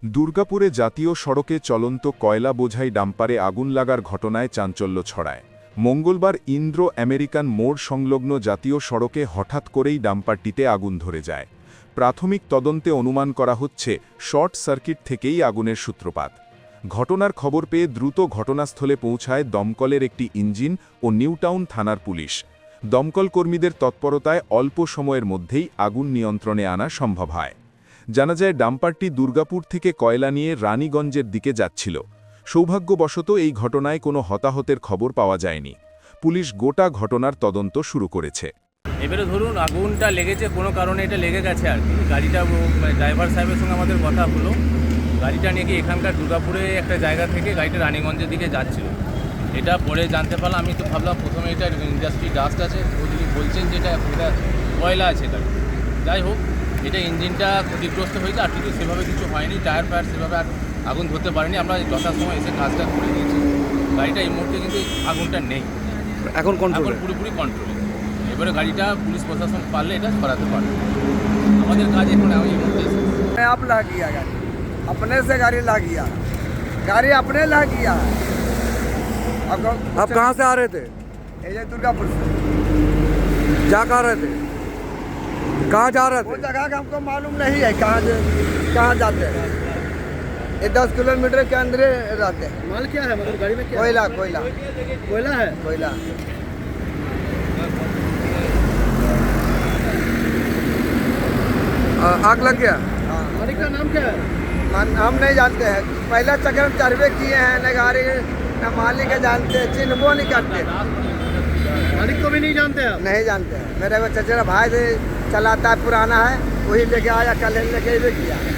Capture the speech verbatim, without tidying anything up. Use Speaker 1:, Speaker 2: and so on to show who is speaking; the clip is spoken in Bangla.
Speaker 1: দুর্গাপুরে জাতীয় সড়কে চলন্ত কয়লা বোঝাই ডাম্পারে আগুন লাগার ঘটনায় চাঞ্চল্য ছড়ায়। মঙ্গলবার ইন্দ্র আমেরিকান মোড় সংলগ্ন জাতীয় সড়কে হঠাৎ করেই ডাম্পারটিতে আগুন ধরে যায়। প্রাথমিক তদন্তে অনুমান করা হচ্ছে শর্ট সার্কিট থেকেই আগুনের সূত্রপাত। ঘটনার খবর পেয়ে দ্রুত ঘটনাস্থলে পৌঁছায় দমকলের একটি ইঞ্জিন ও নিউটাউন থানার পুলিশ। দমকল কর্মীদের তৎপরতায় অল্প সময়ের মধ্যেই আগুন নিয়ন্ত্রণে আনা সম্ভব হয়। জানা যায় ডাম্পারটি দুর্গাপুর থেকে কয়লা নিয়ে রানীগঞ্জের দিকে যাচ্ছিল। সৌভাগ্যবশত এই ঘটনায় কোনো হতাহতের খবর পাওয়া যায়নি। পুলিশ গোটা ঘটনার তদন্ত শুরু করেছে।
Speaker 2: এবারে ধরুন আগুনটা লেগেছে কোনো কারণে, এটা লেগে গেছে আর কি। গাড়িটা ড্রাইভার সাহেবের সঙ্গে আমাদের কথা হলো, গাড়িটা নিয়ে গিয়ে এখানকার দুর্গাপুরে একটা জায়গা থেকে গাড়িটা রানীগঞ্জের দিকে যাচ্ছিল। এটা পরে জানতে পারলাম, আমি তো ভাবলাম প্রথমে এটা ইন্ডাস্ট্রি ডাস্ট আছে, ওদিকে বলছেন যে এটা এটা কয়লা আছে গাড়ি। যাই হোক, এটা ইঞ্জিনটা ক্ষতিগ্রস্ত হয়েছে, আর কিছু সেভাবে কিছু হয়নি। টায়ার ফায়ার সেভাবে আর আগুন ধরতে পারেনি। আমরা যথাসময় এসে কাজটা করে দিয়েছি। গাড়িটা এই মুহূর্তে কিন্তু আগুনটা নেই,
Speaker 3: এখন কন্ট্রোল,
Speaker 2: এখন পুরোপুরি কন্ট্রোলে। এবারে গাড়িটা পুলিশ প্রশাসন পারলে এটা সরাতে পারবে। আমাদের কাজ এখন আমি এই মুহূর্তে
Speaker 4: आप ला गया गाड़ी, अपने से गाड़ी ला गया, गाड़ी अपने ला गया।
Speaker 3: आप कहाँ से आ रहे थे?
Speaker 4: ये दुर्गापुर से
Speaker 3: जा कहाँ रहे थे? कहाँ जा रहे
Speaker 4: वो
Speaker 3: थे?
Speaker 4: जगह का हमको मालूम नहीं है, कहाँ कहाँ जाते हैं। ये दस किलोमीटर के अंदर रहते हैं।
Speaker 5: माल क्या है, मतलब गाड़ी में क्या
Speaker 4: कोयला कोयला
Speaker 5: कोयला है?
Speaker 4: कोयला
Speaker 3: आ- आग लग गया।
Speaker 4: हाँ,
Speaker 5: मालिक का नाम क्या है?
Speaker 4: मान- हम नहीं जानते हैं। पहला चक्कर में चढ़वे किए हैं, न गाड़ी न मालिक के जानते हैं, चिन्हबो नहीं करते,
Speaker 5: मालिक को भी नहीं जानते आप?
Speaker 4: नहीं जानते हैं। मेरे को चचेरा भाई से चलाता है, पुराना है, वही लेके आया, कल लेके ये किया।